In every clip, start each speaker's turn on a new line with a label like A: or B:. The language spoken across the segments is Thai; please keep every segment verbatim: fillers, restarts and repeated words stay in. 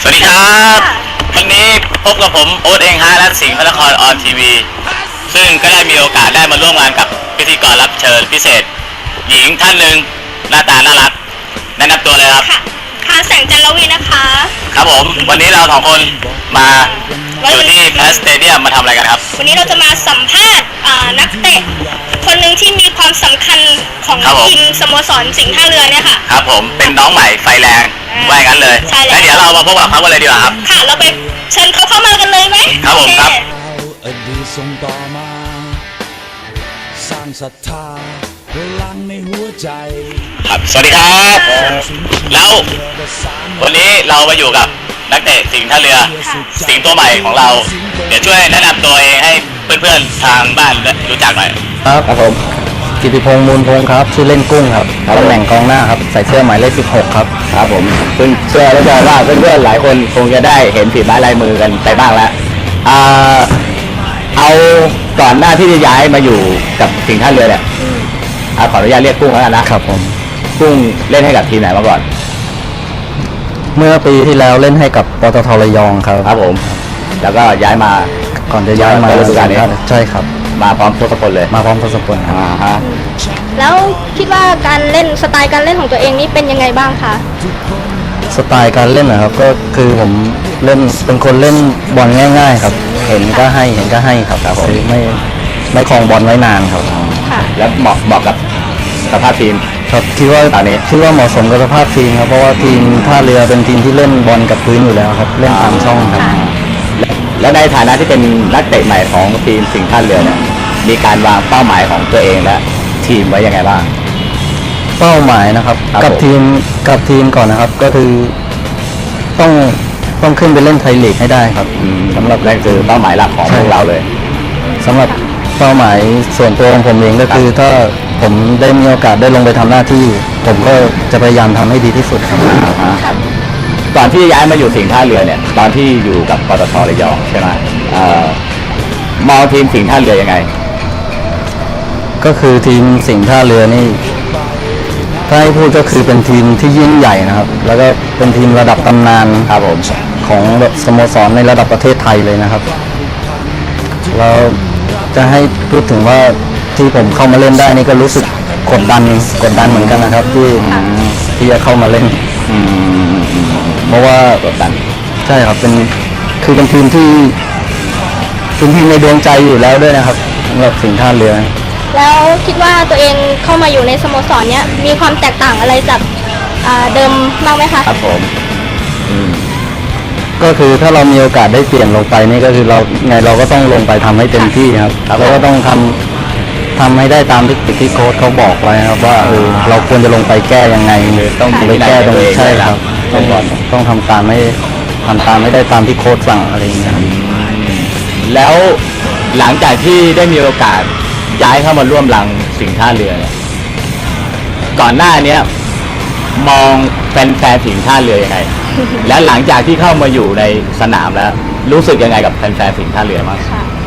A: สวัสดีครับวันนี้พบกับผมโอ๊ตเองฮะและสิงห์พระนครออนทีวีซึ่งก็ได้มีโอกาสได้มาร่วมงานกับพิธีกรรับเชิญพิเศษหญิงท่านหนึ่งหน้าตาน่ารักแนะนำตัวเลยครับ
B: ค่ะค่ะแสงจันทร์วีนะคะ
A: ครับผมวันนี้เราสองคนมาอยู่ที่แพสเตเดียมมาทำอะไรกันครับ
B: วันนี้เราจะมาสัมภาษณ์นักเตะคนหนึ่งที่มีความสำคัญของทีมสโมสรสิงห์ท่าเรือเนี่ยค่ะ
A: ครับผมเป็นน้องใหม่ไฟแรงว่าอย่างนั้นเลยแล้วเดี๋ยวเรามาพบกับเขากันเลยดีกว่าครับ
B: ค่ะเราไปเชิญเขาเข้ามากันเลยไหม
A: ครับผมครับ
C: อดีตส่งต่อมาสร้างศรัทธาพลังในหัวใจ
A: ครับสวัสดีครับแล้ววันนี้เรามาอยู่กับนักเตะสิงห์ท่าเรือสิงห์ตัวใหม่ของเราเดี๋ยวช่วยแนะนำตัวเองให้เพื่อนๆทางบ้านรู้จักหน่อย
D: ครับครับผมกิติพงษ์มูลพงษ์ครับชื่อเล่นกุ้งครับตำแหน่งกองหน้าครับใส่เสื้อหมายเลขสิบหกครับ
E: ครับผมเพื่อนเชื่อแล้วว่าเพื่อนๆหลายคนคงจะได้เห็นฝีไม้ลายมือกันไปบ้างแล้วอ่าเอาก่อนหน้าที่จะย้ายมาอยู่กับสิงห์ท่าเรือเนี่ยขออนุญาตเรียกกุ้งแล้วกันนะครับ
D: ผม
E: กุ้งเล่นให้กับทีมไหนมาก่อน
D: เมื่อปีที่แล้วเล่นให้กับปตท.ระยองครับ
E: ครับผมแล้วก็ย้ายมา
D: ก่อนจะย้ายมา
E: ฤดูกาลนี้
D: ใช่ครับ
E: มาพร้อมทศพลเลย
D: มาพร้อมทศพล
E: อ่าฮะ
B: แล้วคิดว่าการเล่นสไตล์การเล่นของตัวเองนี่เป็นยังไงบ้างคะ
D: สไตล์การเล่นนะครับก็คือผมเล่นเป็นคนเล่นบอลง่ายๆครับเห็นก็ให้เห็นก็ให้ครับครับไม่ไม่คลองบอลไว้นานครับ
E: แล้วเหมาะเหมาะกับสภาพทีม
D: ครับคิดว่าตอนนี้คิดว่าเหมาะสมกับสภาพทีมครับเพราะว่าทีมท่าเรือเป็นทีมที่เล่นบอลกับพื้นอยู่แล้วครับเล่นตามช่องครับ
E: แล้วในฐานะที่เป็นนักเตะใหม่ของทีมสิงห์ท่าเรือเนี่ยมีการวางเป้าหมายของตัวเองและทีมไว้ยังไงบ้าง
D: เป้าหมายนะครับกับทีมกับทีมก่อนนะครับก็คือต้องต้องขึ้นไปเล่นไทยลีกให้ได้ครับ
E: สำหรับนั่นคือเป้าหมายหลักของพวกเราเลย
D: สำหรับเป้าหมายส่วนตัวของผมเองก็คือถ้าผมได้มีโอกาสได้ลงไปทำหน้าที่ผมก็จะพยายามทำให้ดีที่สุดครับ
E: ก่อนที่ย้ายมาอยู่สิงห์ท่าเรือเนี่ยตอนที่อยู่กับปตท.ระยองใช่ไหมมองทีมสิงห์ท่าเรือยังไง
D: ก็คือทีมสิงห์ท่าเรือนี่ถ้าให้พูดก็คือเป็นทีมที่ยิ่งใหญ่นะครับแล้วก็เป็นทีมระดับตำนาน
E: ครับผม
D: ของแบบสโมสรในระดับประเทศไทยเลยนะครับเราจะให้พูดถึงว่าที่ผมเข้ามาเล่นได้นี่ก็รู้สึกกดดันกดดันเหมือนกันนะครับที่ที่จะเข้ามาเล่นเพราะว่าก
E: ดดัน
D: ใช่ครับเป็นคือเป็นทีมที่เป็นทีมในดวงใจอยู่แล้วด้วยนะครับสำหรับสิงห์ท่าเรือ
B: แล้วคิดว่าตัวเองเข้ามาอยู่ในสโมสรเนี้ยมีความแตกต่างอะไรจากเดิมบ้างไหมคะ
E: ครับผม
D: ก็คือถ้าเรามีโอกาสได้เปลี่ยนลงไปนี่ก็คือเราไงเราก็ต้องลงไปทำให้เต็มที่ครับเราก็ต้องทำทำให้ได้ตามที่ที่โค้ชเขาบอกไว้ครับว่าเออเราควรจะลงไปแก้ยังไงต้องไปแก้ตรงนี้ใช่ครับต้องต้องทำตามไม่ทำตามไม่ได้ตามที่โค้ชสั่งอะไรอย่างเงี้ย
E: แล้วหลังจากที่ได้มีโอกาสย้ายเข้ามาร่วมรังสิงห์ท่าเรือเนี่ยก่อนหน้านี้มองแฟนๆสิงห์ท่าเรือยังไง และหลังจากที่เข้ามาอยู่ในสนามแล้วรู้สึกยังไงกับแฟนๆสิงห์ท่าเรือบ้าง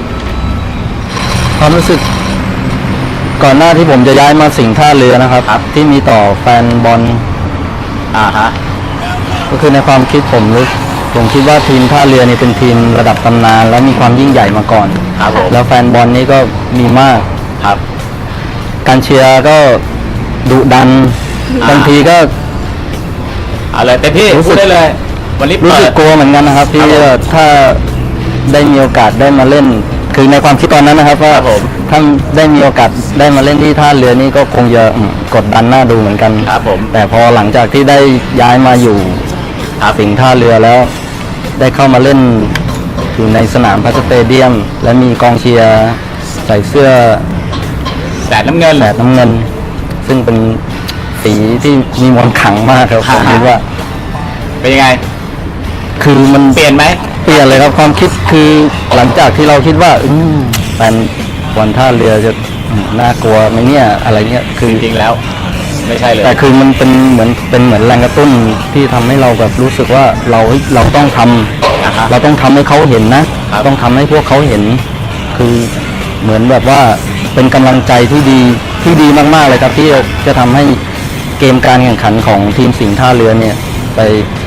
D: ความรู้สึกก่อนหน้าที่ผมจะย้ายมาสิงห์ท่าเรือนะครับที่มีต่อแฟนบอล
E: อ่าฮะ
D: ก็คือในความคิดผมรู้ผมคิดว่าทีมท่าเรือนี่เป็นทีมระดับตำนานและมีความยิ่งใหญ่มาก่อนแล้วแฟนบอลนี่ก็มีมาก
E: ครับ
D: การเชียร์ก็ดุดันบางทีก็
E: เอาเลยเต็มที่
D: รู้สึก
E: ได้เลยวันนี้
D: รู้สึกกลัวเหมือนกันนะครับที่ถ้าได้มีโอกาสได้มาเล่นคือในความคิดตอนนั้นนะครับว่าถ้าได้มีโอกาสได้มาเล่นที่ท่าเรือนี่ก็คงจะกดดันน่าดูเหมือนกัน
E: ครับผม
D: แต่พอหลังจากที่ได้ย้ายมาอยู่สิงห์ท่าเรือแล้วได้เข้ามาเล่นอยู่ในสนามพาสเตเดียมและมีกองเชียร์ใส่เสื้อ
E: แสดน้ำเงิน
D: แสดน้ำเงินซึ่งเป็นสีที่มีมนต์ขลังมากครับผมคิดว่า
E: เป็นยังไง
D: คือมัน
E: เปลี่ยนไหม
D: เปลี่ยนเลยครับความคิดคือหลังจากที่เราคิดว่าอืมแฟนบอลท่าเรือจะน่ากลัวไหมเนี่ยอะไรเงี้ย
E: คือจริงๆแล้วไม่ใช่เลย
D: แต่คือมันเป็นเหมือนเป็นเหมือนแรงกระตุ้นที่ทำให้เราแบบรู้สึกว่าเราเราต้องทำเราต้องทำให้เขาเห็นนะต้องทำให้พวกเขาเห็นคือเหมือนแบบว่าเป็นกำลังใจที่ดีที่ดีมากๆเลยครับที่จะทำให้เกมการแข่งขันของทีมสิงห์ท่าเรือเนี่ยไป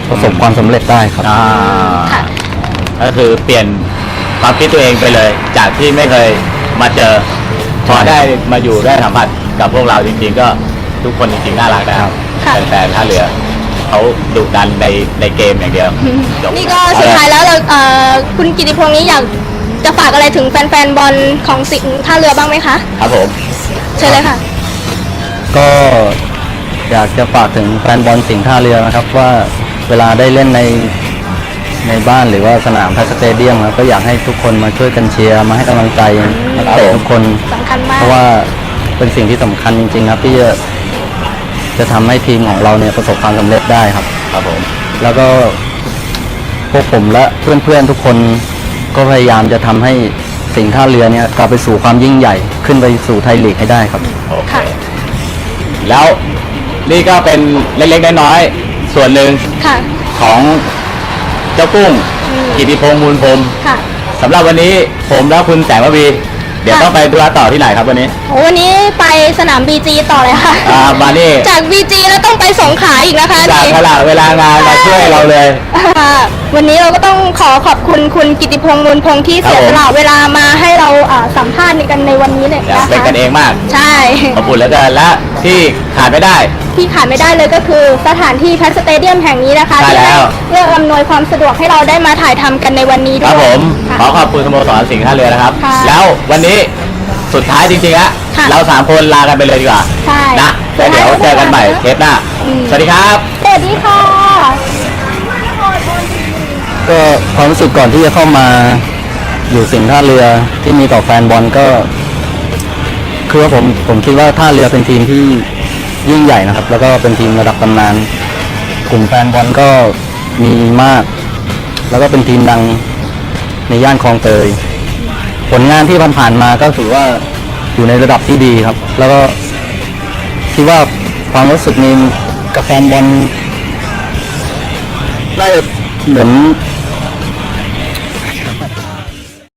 D: ประสบความสำเร็จได้ครับ
E: อ่า
B: ค่ะ
E: ก็คือเปลี่ยนความคิดตัวเองไปเลย จากที่ไม่เคยมาเจอ พอได้มาอยู่ได้สัมผัสกับพวกเราจริงๆ ก็ทุกคนจริงๆน่ารักนะครับ
B: ค่ะ
E: แฟนๆท่าเรือเขาดุดันในในเกมอย่างเดียวจบ
B: นี่ก็สุดท้ายแล้วเราเอ่อคุณกิติพงษ์นี้อยากจะฝากอะไรถึงแฟนๆบอลของสิงห์ท่าเรือบ้างไหมคะ
E: ครับผม
B: เชิญเลยค่ะ
D: ก็อยากจะฝากถึงแฟนบอลสิงห์ท่าเรือนะครับ ว่าเวลาได้เล่นในในบ้านหรือว่าสนามทัสเตเดียมครับก็อยากให้ทุกคนมาช่วยกันเชียร์มาให้กำลังใจนักเตะทุกคน
B: สำคัญมาก
D: เพราะว่าเป็นสิ่งที่สำคัญจริงๆครับที่จะจะทำให้ทีมของเราเนี่ยประสบความสำเร็จได้ครับ
E: ครับผม
D: แล้วก็พวกผมและเพื่อนๆทุกคนก็พยายามจะทำให้สิงห์ท่าเรือเนี่ยกลับไปสู่ความยิ่งใหญ่ขึ้นไปสู่ไทยลีกให้ได้ครับ
E: โอเค
B: ค่ะ
E: แล้วนี่ก็เป็นเล็กๆน้อยๆส่วนหนึ่ง
B: ค่ะ
E: ของเจ้ากุ้ง
B: อืม
E: กิติพงษ์มูลพรหม
B: ค่ะ
E: สำหรับวันนี้ผมและคุณแสงระวีเดี๋ยว
B: ค่ะ
E: ต้องไปธุระต่อที่ไหนครับวันนี้
B: โอ้วันนี้ไปสนาม บี จี ต่อเลยค่ะ
E: อ่ามานี่
B: จาก บี จี แล้วต้องไปสงขลาอีกนะคะ
E: จาก
B: นี่
E: ขณะเวลางานมาช่วยเราเลย
B: ค่ะวันนี้เราก็ต้องขอขอบคุณคุณกิติพงษ์มูลพงษ์ที่เสีย
E: ครับผม
B: สละเวลามาให้เราอ่าสัมภาษณ์ในกันในวันนี้เลยนะคะ
E: เป็นกันเองมาก
B: ใช่
E: ขอบคุณแล้วกันและที่ขาดไม่ได้
B: ที่ขาดไม่ได้เลยก็คือสถานที่แพทสเตเดียมแห่งนี้นะคะ
E: ใช่
B: ที่
E: แล้ว
B: เอื้ออำนวยความสะดวกให้เราได้มาถ่ายทำกันในวันนี้
E: ค
B: ด้
E: รั
B: ว
E: บ
B: ย
E: ผม
B: ค่ะ
E: ขอขอบคุณสโมสรสิงห์ท่าเรือนะครับ
B: ค่ะ
E: แล้ววันนี้สุดท้ายจริงๆฮะ
B: ค่ะ
E: เราสามคนลากันไปเลยดีกว่า
B: ใช่
E: นะแล้วเดี๋ยวเจอกันใหม่เทปหน้า
B: อืม
E: สวัสดีครับ
B: สวัสดีค่ะ
D: ก็ความรู้สึกก่อนที่จะเข้ามาอยู่สิงห์ท่าเรือที่มีต่อแฟนบอลก็คือว่าผมผมคิดว่าท่าเรือเป็นทีมที่ยิ่งใหญ่นะครับ แล้วก็เป็นทีมระดับตำนานกลุ่มแฟนบอลก็มีมาก แล้วก็เป็นทีมดังในย่านคลองเตย ผลงานที่ผ่านๆมาก็ถือว่าอยู่ในระดับที่ดีครับ แล้วก็คิดว่าความรู้สึกนี้กับแฟนบอลได้เหมือน